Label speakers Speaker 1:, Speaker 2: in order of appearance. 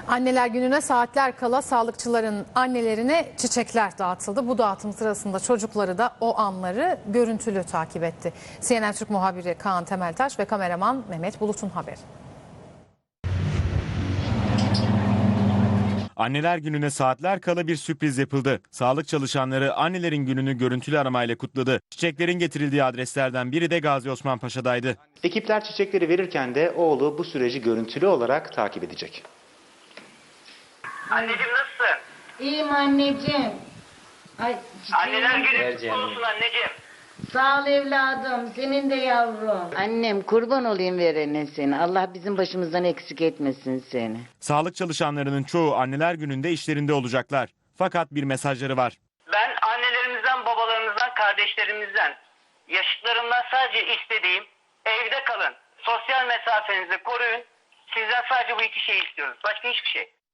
Speaker 1: Anneler Günü'ne saatler kala sağlıkçıların annelerine çiçekler dağıtıldı. Bu dağıtım sırasında çocukları da o anları görüntülü takip etti. CNN Türk muhabiri Kaan Temeltaş ve kameraman Mehmet Bulut'un haberi.
Speaker 2: Anneler Günü'ne saatler kala bir sürpriz yapıldı. Sağlık çalışanları annelerin gününü görüntülü aramayla kutladı. Çiçeklerin getirildiği adreslerden biri de Gazi Osman Paşa'daydı.
Speaker 3: Ekipler çiçekleri verirken de oğlu bu süreci görüntülü olarak takip edecek.
Speaker 4: Anneciğim nasılsın?
Speaker 5: İyiyim anneciğim. Ay,
Speaker 4: Anneler günü kutlu olsun anneciğim.
Speaker 5: sağ ol evladım. Senin de yavrum. Annem kurban olayım verene seni. Allah bizim başımızdan eksik etmesin seni.
Speaker 2: Sağlık çalışanlarının çoğu Anneler Günü'nde işlerinde olacaklar. Fakat bir mesajları var.
Speaker 4: Ben annelerimizden, babalarımızdan, kardeşlerimizden, yaşıtlarımdan sadece istediğim evde kalın. Sosyal mesafenizi koruyun. Sizden sadece bu iki şeyi istiyoruz. Başka hiçbir şey.